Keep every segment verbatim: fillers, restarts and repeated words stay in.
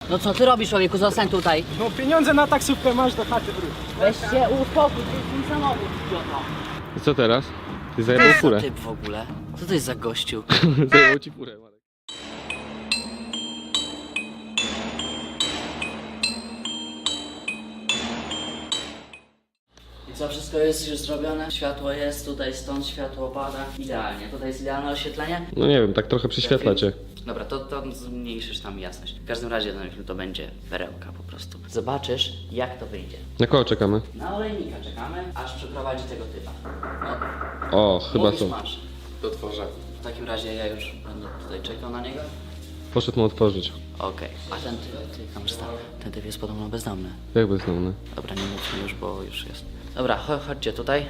No co ty robisz, człowieku? Zostań tutaj. No pieniądze na taksówkę masz, do chaty wróć. Weź się uspokój, to jest mój samochód, idioto. I co teraz? Ty zajebał Co furę. typ w ogóle? Co to jest za gościu? Zajebał ci furę, Marek. I co, wszystko jest już zrobione? Światło jest, tutaj stąd światło pada. Idealnie, tutaj jest idealne oświetlenie. No nie wiem, tak trochę przyświetla cię. Dobra, to, to zmniejszysz tam jasność. W każdym razie ten film to będzie perełka po prostu. Zobaczysz, jak to wyjdzie. Na kogo czekamy? Na olejnika czekamy, aż przeprowadzi tego typa. O, No, chyba mówisz, są. masz. To otworzę. W takim razie ja już będę tutaj czekał na niego. Poszedł mu otworzyć. Okej. A ten typ, ty, kamerzysta, ten typ jest podobno bezdomny. Jak bezdomny? Dobra, nie mówmy już, bo już jest. Dobra, cho chodźcie tutaj.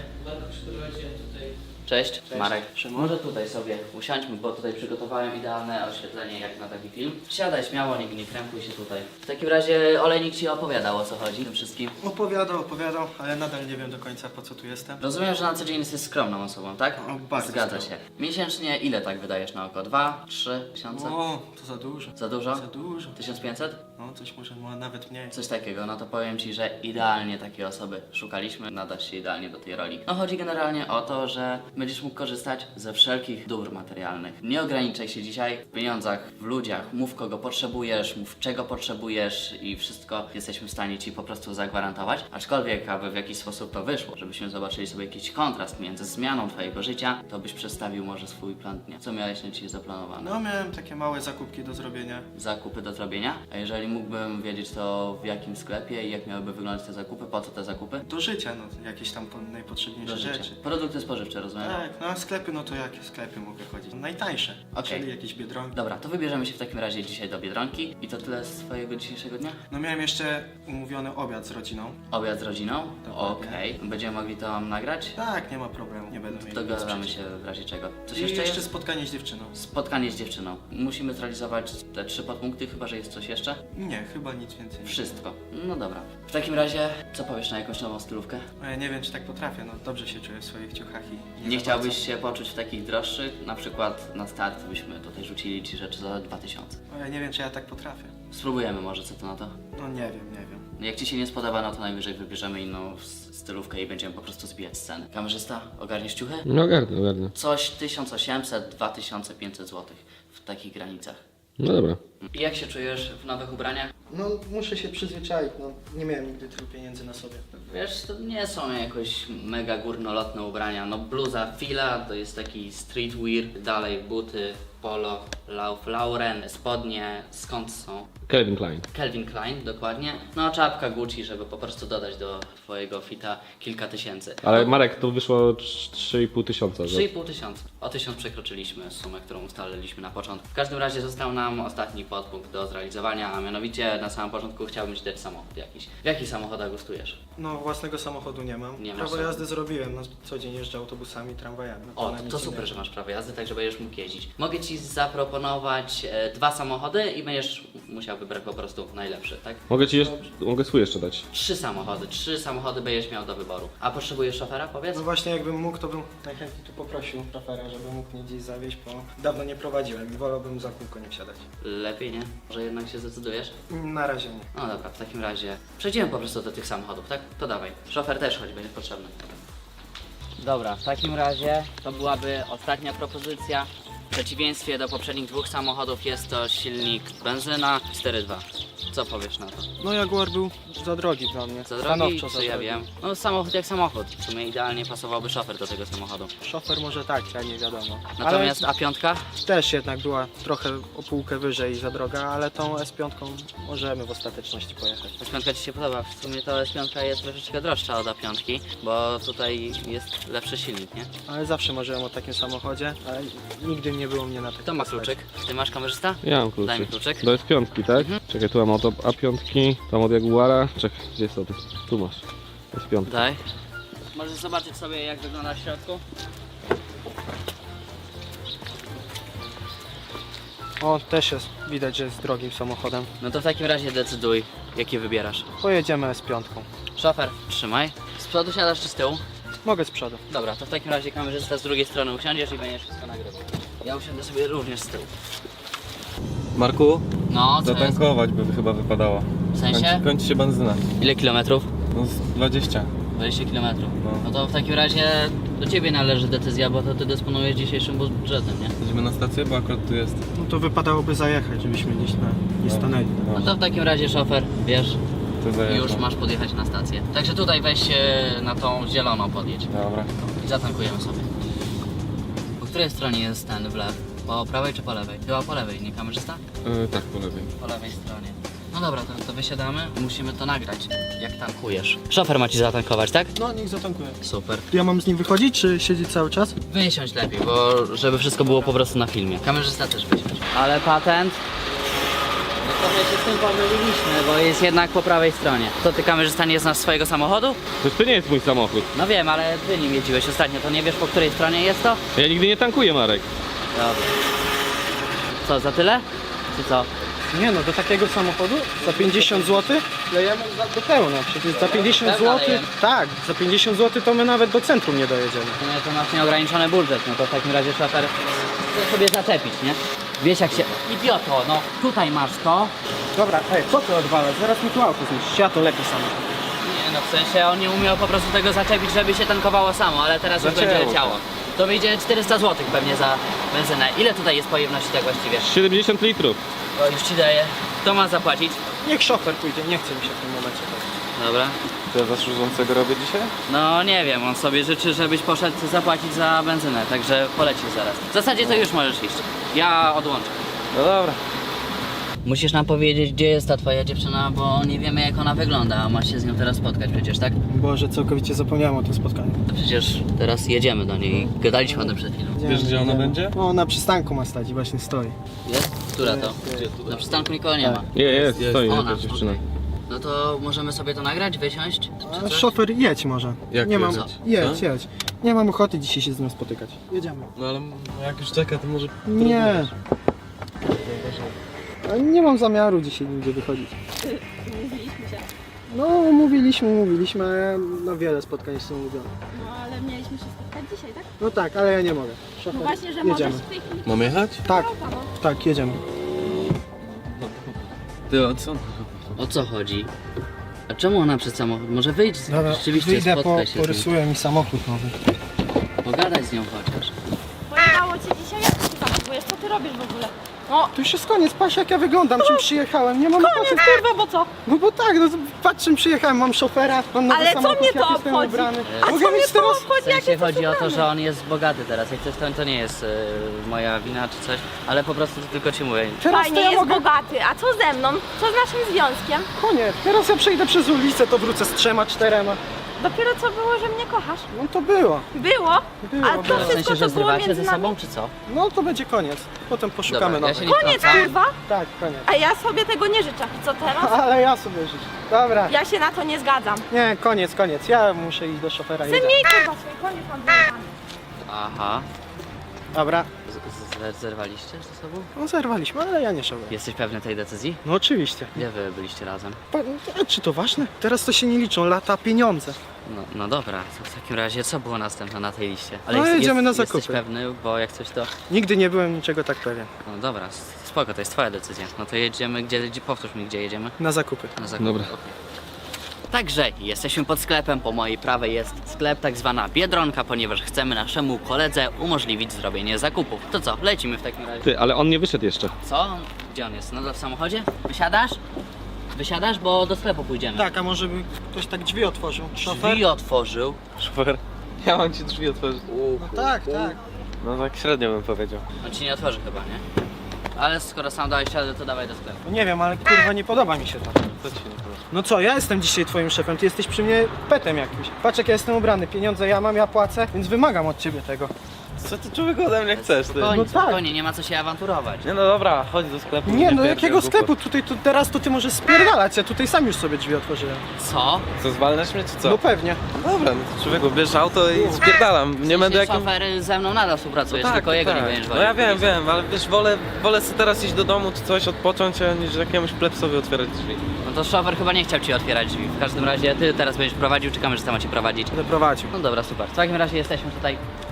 Cześć, Cześć. Marek. Może tutaj sobie usiądźmy, bo tutaj przygotowałem idealne oświetlenie jak na taki film. Siadaj śmiało, nie, nie krępuj się tutaj. W takim razie olejnik ci opowiadał, o co chodzi tym wszystkim. Opowiadał, opowiadał, ale nadal nie wiem do końca, po co tu jestem. Rozumiem, że na co dzień jesteś skromną osobą, tak? O, bardzo Zgadza skromną. się. Miesięcznie ile tak wydajesz na oko? Dwa, trzy tysiące? O, to za dużo. Za dużo? Za dużo. tysiąc pięćset? No, coś może ma nawet mniej. Coś takiego, no to powiem ci, że idealnie takiej osoby szukaliśmy, nadasz się idealnie do tej roli. No chodzi generalnie o to, że będziesz mógł korzystać ze wszelkich dóbr materialnych. Nie ograniczaj się dzisiaj w pieniądzach, w ludziach, mów kogo potrzebujesz, mów czego potrzebujesz i wszystko jesteśmy w stanie ci po prostu zagwarantować. Aczkolwiek, aby w jakiś sposób to wyszło, żebyśmy zobaczyli sobie jakiś kontrast między zmianą twojego życia, to byś przedstawił może swój plan dnia. Co miałeś na dzisiaj zaplanowane? No, miałem takie małe zakupki do zrobienia. Zakupy do zrobienia? A jeżeli mógłbym wiedzieć to w jakim sklepie i jak miałyby wyglądać te zakupy, po co te zakupy? Do życia, no, jakieś tam po- najpotrzebniejsze Do życia. rzeczy. Produkty spożywcze, rozumiem? Tak, no a sklepy, no to jakie sklepy mogę chodzić? Najtańsze, Okej. czyli jakieś Biedronki. Dobra, to wybierzemy się w takim razie dzisiaj do Biedronki. I to tyle z twojego dzisiejszego dnia? No miałem jeszcze umówiony obiad z rodziną. Obiad z rodziną? Dokładnie. Okej. Będziemy mogli to nagrać? Tak, nie ma problemu, nie będę miał nic Dogadamy przeciw. się w razie czego. Coś I jeszcze jeszcze jest? spotkanie z dziewczyną. Spotkanie z dziewczyną. Musimy zrealizować te trzy podpunkty, chyba że jest coś jeszcze? Nie, chyba nic więcej. nie. Wszystko. No dobra. W takim razie, co powiesz na jakąś nową stylówkę? No, ja nie wiem, czy tak potrafię, no dobrze się czuję w swoich ciuchach i... Nie za chciałbyś bardzo. się poczuć w takich droższych? Na przykład na start byśmy tutaj rzucili ci rzeczy za dwa tysiące. No, ja nie wiem, czy ja tak potrafię. Spróbujemy może, co to na to? No nie wiem, nie wiem. Jak ci się nie spodoba, no to najwyżej wybierzemy inną s- stylówkę i będziemy po prostu zbijać sceny. Kamerzysta, ogarniesz ciuchy? No ogarnę, ogarnę. Coś tysiąc osiemset, dwa tysiące pięćset złotych w takich granicach. No dobra. I jak się czujesz w nowych ubraniach? No muszę się przyzwyczaić, no nie miałem nigdy tylu pieniędzy na sobie. Wiesz, to nie są jakoś mega górnolotne ubrania. No bluza Fila to jest taki streetwear, dalej buty, polo, Ralph Lauren, spodnie, skąd są? Calvin Klein. Calvin Klein, dokładnie. No czapka Gucci, żeby po prostu dodać do twojego fita kilka tysięcy. Ale Marek, to wyszło trzy i pół tysiąca. że- trzy i pół tysiąca. O tysiąc przekroczyliśmy sumę, którą ustaliliśmy na początku. W każdym razie został nam ostatni podpunkt do zrealizowania, a mianowicie na samym początku chciałbym ci dać samochód jakiś. W jakich samochodach gustujesz? No własnego samochodu nie mam. Nie masz Prawo samochodu. jazdy zrobiłem, no co dzień jeżdżę autobusami, tramwajami. No, O, na to, nic to super, innego. że masz prawo jazdy, tak że będziesz mógł jeździć. Mogę ci zaproponować e, dwa samochody i będziesz musiał wybrać po prostu najlepszy, tak? Mogę ci jeszcze, mogę swój jeszcze dać. Trzy samochody, trzy samochody będziesz miał do wyboru. A potrzebujesz szofera, powiedz? No właśnie jakbym mógł, to bym najchętniej tu poprosił szofera, żeby mógł mnie gdzieś zawieźć, bo dawno nie prowadziłem i wolałbym za kółko nie wsiadać. Lepiej, nie? Może jednak się zdecydujesz? Na razie nie. No dobra, w takim razie przejdziemy po prostu do tych samochodów, tak? To dawaj. Szofer też choć będzie potrzebny. Dobra, w takim razie to byłaby ostatnia propozycja. W przeciwieństwie do poprzednich dwóch samochodów jest to silnik benzyna cztery dwa. Co powiesz na to? No Jaguar był za drogi dla mnie. Za drogi, Stanowczo za czy ja drogi. wiem? No samochód jak samochód. W sumie idealnie pasowałby szofer do tego samochodu. Szofer może tak, ja nie wiadomo. Natomiast A pięć? Ale też jednak była trochę o półkę wyżej za droga, ale tą S pięć możemy w ostateczności pojechać. S pięć ci się podoba. W sumie to S pięć jest troszeczkę droższa od A pięć, bo tutaj jest lepszy silnik, nie? Ale zawsze marzyłem o takim samochodzie, ale nigdy nie było mnie na takim. Kto ma kluczyk? Ty masz, kamerzysta? Ja mam kluczy. Daj mi kluczyk. Do S pięć, tak? Czekaj, tu mam od A pięć, tam od Jaguara. Czekaj, gdzie są? Tu masz. S pięć. Daj. Możesz zobaczyć sobie, jak wygląda w środku. O, też jest, widać, że jest drogim samochodem. No to w takim razie decyduj, jakie wybierasz. Pojedziemy S pięć. Szofer, trzymaj. Z przodu siadasz czy z tyłu? Mogę z przodu. Dobra, to w takim razie kamerzysta z drugiej strony usiądziesz i będziesz wszystko nagrywał. Ja usiądę sobie również z tyłu. Marku, No, co jest? zatankować by chyba wypadało. W sensie? Kończy, kończy się benzyna. Ile kilometrów? No z dwadzieścia. dwadzieścia kilometrów. No. No to w takim razie do ciebie należy decyzja, bo to ty dysponujesz dzisiejszym budżetem, nie? Jedziemy na stację, bo akurat tu jest. No to wypadałoby zajechać, żebyśmy gdzieś na, nie stanęli. No to w takim razie szofer, wiesz, To zajeżdżam. już masz podjechać na stację. Także tutaj weź się na tą zieloną podjedź Dobra. i zatankujemy sobie. Po której stronie jest ten wlew? Po prawej czy po lewej? Chyba po lewej, nie kamerzysta? Yy, tak, po lewej. Po lewej stronie. No dobra, to, to wysiadamy. Musimy to nagrać, jak tankujesz. Szofer ma ci zatankować, tak? No niech zatankuje. Super. Ja mam z nim wychodzić, czy siedzieć cały czas? Wysiądź lepiej, bo żeby wszystko było po prostu na filmie. Kamerzysta też wysiądź. Ale patent? No trochę się z tym pomyliliśmy, bo jest jednak po prawej stronie. To ty, kamerzysta, nie znasz swojego samochodu? To, to nie jest mój samochód. No wiem, ale ty nim jeździłeś ostatnio, to nie wiesz, po której stronie jest to? Ja nigdy nie tankuję, Marek. Dobra. Co, za tyle? Czy co? Nie no, do takiego samochodu za pięćdziesiąt złotych lejemy za- do pełna. Przecież za pięćdziesiąt Pełna złotych, lejemy. tak, za pięćdziesiąt złotych to my nawet do centrum nie dojedziemy. No to masz nieograniczony budżet, no to w takim razie szofer chce sobie zaczepić, nie? Wiesz jak się... Idioto, no tutaj masz to. Dobra, ej, co ty odwalasz? Zaraz mi tu auto zniszczysz, ja to lepiej samochód. Nie no, w sensie on nie umiał po prostu tego zaczepić, żeby się tankowało samo, ale teraz już Zaczęło będzie to. leciało. To wyjdzie czterysta złotych pewnie za benzynę. Ile tutaj jest pojemności tak właściwie? siedemdziesiąt litrów. O, już ci daję. Kto ma zapłacić? Niech szofer pójdzie, nie chce mi się w tym momencie. Dobra. To ja za służącego robię dzisiaj? No nie wiem, on sobie życzy, żebyś poszedł zapłacić za benzynę, także polecisz zaraz. W zasadzie to już możesz iść. Ja odłączę. No dobra. Musisz nam powiedzieć, gdzie jest ta twoja dziewczyna, bo nie wiemy jak ona wygląda, a masz się z nią teraz spotkać przecież, tak? Boże, całkowicie zapomniałem o tym spotkaniu. To przecież teraz jedziemy do niej. Gadaliśmy o tym przed chwilą. Wiesz, gdzie ona będzie? No, na przystanku ma stać i właśnie stoi. Jest? Która to? Na przystanku nikogo nie ma. Nie, jest, Jest. stoi Ona, jakaś dziewczyna. okej. No to możemy sobie to nagrać, wysiąść? A Czy coś? szofer, jedź może. Jak nie mam, jechać? jedź, Co? jedź. Nie mam ochoty dzisiaj się z nią spotykać. Jedziemy. No ale jak już czeka, to może... Nie. A nie mam zamiaru dzisiaj nigdzie wychodzić. Mówiliśmy się. No, umówiliśmy, umówiliśmy, a ja na wiele spotkań są umówione. No ale mieliśmy się spotkać dzisiaj, tak? No tak, ale ja nie mogę. Szofer, No właśnie, że jedziemy. możesz w tej chwili. Mam jechać? Tak, No, tak, jedziemy. Ty, o co? O co chodzi? A czemu ona przed samochód? Może wyjdź, rzeczywiście wyjdę, po, spotkaj się z nią. porysuję mi samochód nowy. Pogadaj z nią chociaż. Pojechało cię dzisiaj, jak ty tam próbujesz? Co ty robisz w ogóle? No, To już jest koniec, patrz jak ja wyglądam, czym przyjechałem, nie mam koniec ochoty. kurwa, bo co? No bo tak, no patrz czym przyjechałem, mam szofera, mam nowy Ale co samochód, mnie to jak jestem obchodzi? ubrany. A Mogę co mieć mnie to teraz... W obchodzi, jak sensie jesteś chodzi o to, ubrany? że on jest bogaty teraz. Jak coś to, to nie jest e, moja wina czy coś, ale po prostu tylko ci mówię. Teraz to Fajnie, ja jest mogę... bogaty, a co ze mną? Co z naszym związkiem? Koniec, teraz ja przejdę przez ulicę, to wrócę z trzema, czterema. Dopiero co było, że mnie kochasz? No to było, Było? było. A to W wszystko, sensie, że co było zrywacie między ze nami? sobą czy co? No to będzie koniec, potem poszukamy Dobra, ja nowych. się nie Koniec wtrącam. kurwa? Tak, koniec. A ja sobie tego nie życzę. I co teraz? Ale ja sobie życzę. Dobra. Ja się na to nie zgadzam. Nie, koniec, koniec. Ja muszę iść do szofera. Chcę Jedziemy. mniej kurwa swój koniec mam zajebany. Aha. Dobra. Z- z- Zerwaliście ze sobą? No zerwaliśmy, ale ja nie szałem. Jesteś pewny tej decyzji? No oczywiście. Gdzie wy byliście razem? Pa, a czy to ważne? Teraz to się nie liczą, lata, pieniądze. No, no dobra, to w takim razie co było następne na tej liście? No, jedziemy na Jesteś zakupy. pewny, bo jak coś to... Nigdy nie byłem niczego tak pewien. No dobra, s- spoko, to jest twoja decyzja. No to jedziemy, gdzie, gdzie powtórz mi, gdzie jedziemy? Na zakupy. Na zakupy. Dobra. okej. Także jesteśmy pod sklepem, po mojej prawej jest sklep, tak zwana Biedronka, ponieważ chcemy naszemu koledze umożliwić zrobienie zakupów. To co, lecimy w takim razie. Ty, ale on nie wyszedł jeszcze. Co? Gdzie on jest? Nadal w samochodzie? Wysiadasz? Wysiadasz, bo do sklepu pójdziemy. Tak, a może by ktoś tak drzwi otworzył? Szofer? Drzwi otworzył. Szofer. Ja mam ci drzwi otworzyć. No tak, tak. No tak średnio bym powiedział. On ci nie otworzy chyba, nie? Ale skoro sam dałeś ślady, to dawaj do sklepu. No nie wiem, ale kurwa nie podoba mi się to. Co ci się nie podoba? No co, ja jestem dzisiaj twoim szefem, ty jesteś przy mnie petem jakimś. Patrz jak ja jestem ubrany, pieniądze ja mam, ja płacę, więc wymagam od ciebie tego. Co ty człowieku ode mnie chcesz, ty? Spokojnie, No tak. spokojnie, nie ma co się awanturować. Nie no dobra, chodź do sklepu. Nie no, pierdziel jakiego głupot. sklepu? Tutaj, tu, teraz to ty możesz spierdalać, ja tutaj sam już sobie drzwi otworzyłem. Co? Co, zwalniasz mnie czy co? No pewnie. Dobra, no to człowieku, bierz auto i spierdalam. Nie będę Jeśli jakim... szofer ze mną nadal współpracujesz, tak, tylko jego tak. nie będziesz No woził. ja wiem, wiem, ale wiesz, wolę, wolę sobie teraz iść do domu czy coś, odpocząć, a niż jakiemuś plepsowi otwierać drzwi. No to szofer chyba nie chciał ci otwierać drzwi. W każdym razie ty teraz będziesz prowadził, czy kamerzysta ma cię prowadzić? Będę prowadził. No dobra, super. W takim razie jesteśmy tutaj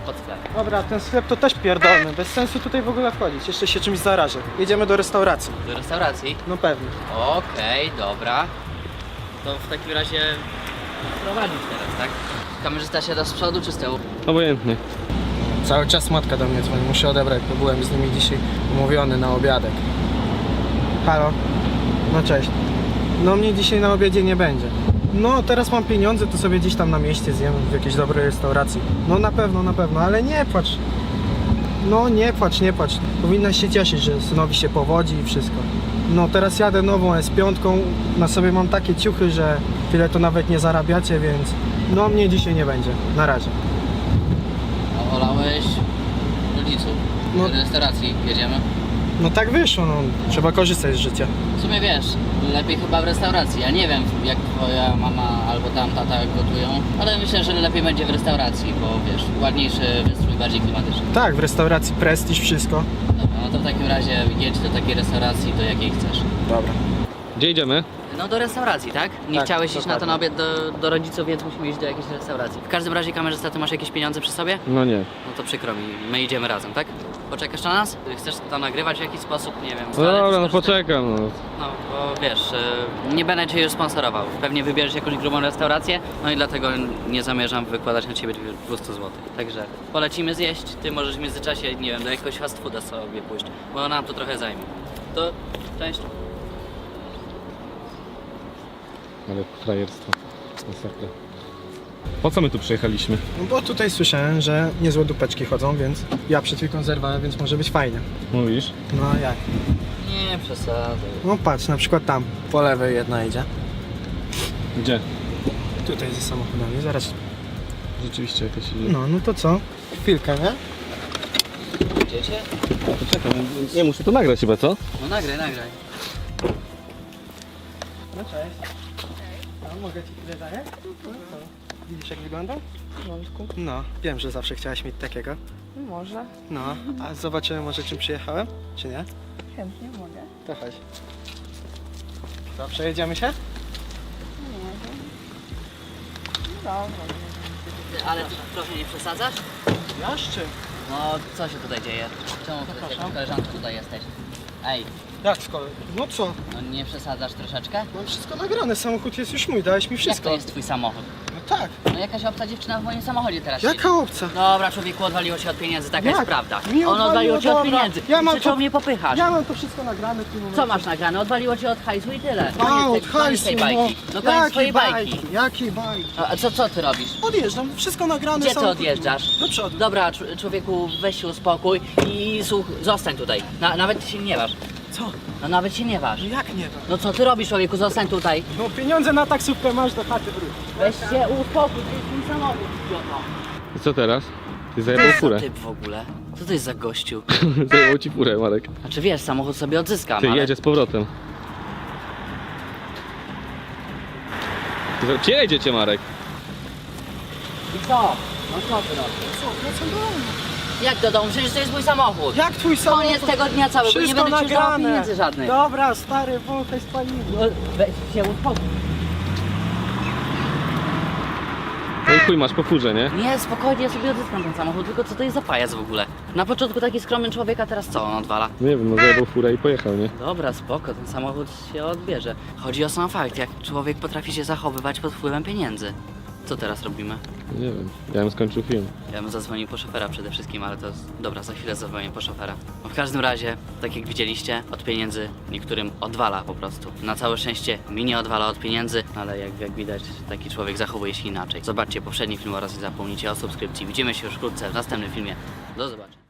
pod sklep. Dobra, ten sklep to też pierdolny, bez sensu tutaj w ogóle wchodzić, jeszcze się czymś zarażę. Jedziemy do restauracji. Do restauracji? No pewnie. Okej, dobra. To w takim razie prowadzić teraz, tak? Kamerzysta siada z przodu czy z tyłu? Obojętnie. Cały czas matka do mnie dzwoni, muszę odebrać, bo byłem z nimi dzisiaj umówiony na obiadek. Halo? No cześć. No mnie dzisiaj na obiedzie nie będzie. No teraz mam pieniądze, to sobie gdzieś tam na mieście zjem w jakiejś dobrej restauracji. No na pewno, na pewno, ale nie płacz. No nie płacz, nie płacz. Powinnaś się cieszyć, że synowi się powodzi i wszystko. No teraz jadę nową S pięć, na sobie mam takie ciuchy, że tyle to nawet nie zarabiacie, więc no mnie dzisiaj nie będzie. Na razie. No, olałeś rodziców. No. Do restauracji jedziemy. No tak wyszło, no trzeba korzystać z życia. W sumie wiesz, lepiej chyba w restauracji. Ja nie wiem jak twoja mama albo tam tata gotują, ale myślę, że lepiej będzie w restauracji, bo wiesz, ładniejszy wystrój, bardziej klimatyczny. Tak, w restauracji prestiż, wszystko. Dobra, no to w takim razie jedź do takiej restauracji, do jakiej chcesz. Dobra. Gdzie idziemy? No do restauracji, tak? Nie Tak, chciałeś iść na ten dokładnie. obiad do, do rodziców, więc musimy iść do jakiejś restauracji. W każdym razie kamerzysta, ty masz jakieś pieniądze przy sobie? No nie. No to przykro mi, my idziemy razem, tak? Poczekasz na nas? Chcesz tam nagrywać w jakiś sposób, nie wiem. No toalety dobra, no skorzystać? poczekam. No. No, bo wiesz, y, nie będę cię już sponsorował. Pewnie wybierzesz jakąś grubą restaurację, no i dlatego nie zamierzam wykładać na ciebie dwieście złotych. Także polecimy zjeść, ty możesz w międzyczasie, nie wiem, do jakiegoś fast fooda sobie pójść, bo nam to trochę zajmie. To cześć. Ale frajerstwo. Masakra. Po co my tu przyjechaliśmy? No bo tutaj słyszałem, że niezłe dupeczki chodzą, więc ja przed chwilą zerwałem, więc może być fajnie. Mówisz? No a jak? Nie przesadzaj. No patrz, na przykład tam, po lewej jedna idzie. Gdzie? Tutaj ze samochodami, zaraz. Rzeczywiście jakaś idzie. No, no to co? Chwilkę, nie? Idziecie? Poczekam, nie muszę to nagrać chyba, co? No nagraj, nagraj. No cześć. No, mogę ci chwilę zająć? No, co? Widzisz jak wygląda? W porządku. No, wiem, że zawsze chciałaś mieć takiego. Może. No, a zobaczymy może czym przyjechałem, czy nie? Chętnie mogę. To chodź. Co, przejedziemy się? Nie wiem. No dobra. Ty, ale ty trochę nie przesadzasz? Ja z czym? No, co się tutaj dzieje? Czemu ty z Zapraszam. jakąś koleżanką tutaj jesteś? Ej, Jak z kolei? No co? no nie przesadzasz troszeczkę? Mam wszystko nagrane, samochód jest już mój, dałeś mi Jak wszystko. to jest twój samochód? No tak. No jakaś obca dziewczyna w moim samochodzie teraz siedzi. Jaka obca? Dobra, człowieku, odwaliło się od pieniędzy, taka Jak? jest prawda. Mi On odwaliło cię od dobra. pieniędzy. Ja I mam krzyczał to- mnie popychasz. Ja mam to wszystko nagrane w tym momencie. Co masz nagrane? Odwaliło cię od hajsu i tyle. A, Koniec od tej- koniec hajsu, tej no. bajki. No koniec twojej bajki. Jakie bajki? A a co, co ty robisz? Odjeżdżam, wszystko nagrane. Gdzie ty samochód- odjeżdżasz? Do przodu. Dobra, cz- człowieku, weź się uspokój i słuch, zostań tutaj. Na, nawet się nie waż. Co? No nawet się nie waż. Jak nie to? No co ty robisz, człowieku, zostań tutaj. No pieniądze na taksówkę masz, do chaty wróć. Weź się uspokój, to jest mój samochód, idioto. I co teraz? Ty zajebał Co furę. ty w ogóle? Co to jest za gościu? Zajebał ci furę, Marek. Znaczy wiesz, samochód sobie odzyskam, Ty ale... jedzie z powrotem. Ty- Gdzie jedziecie, Marek? I co? No co ty robisz? Co, wracam do domu. Jak do domu? Przecież to jest mój samochód. Jak twój samochód? Koniec tego dnia całego, nie Wszystko będę ci używał nagrane. pieniędzy żadnych. Dobra, stary, wąchaj spaliny. No, weź się uspokój. No i chuj, masz po furze, nie? Nie, spokojnie, ja sobie odzyskam ten samochód, tylko co to jest za pajac w ogóle? Na początku taki skromny człowiek, a teraz co on odwala? Nie wiem, no zajebał furę i pojechał, nie? Dobra, spoko, ten samochód się odbierze. Chodzi o sam fakt, jak człowiek potrafi się zachowywać pod wpływem pieniędzy. Co teraz robimy? Nie wiem, ja bym skończył film. Ja bym zadzwonił po szofera przede wszystkim, ale to jest... Dobra, za chwilę zadzwonię po szofera. No w każdym razie, tak jak widzieliście, od pieniędzy niektórym odwala po prostu. Na całe szczęście mi nie odwala od pieniędzy, ale jak, jak widać, taki człowiek zachowuje się inaczej. Zobaczcie poprzedni film oraz nie zapomnijcie o subskrypcji. Widzimy się już wkrótce w następnym filmie. Do zobaczenia.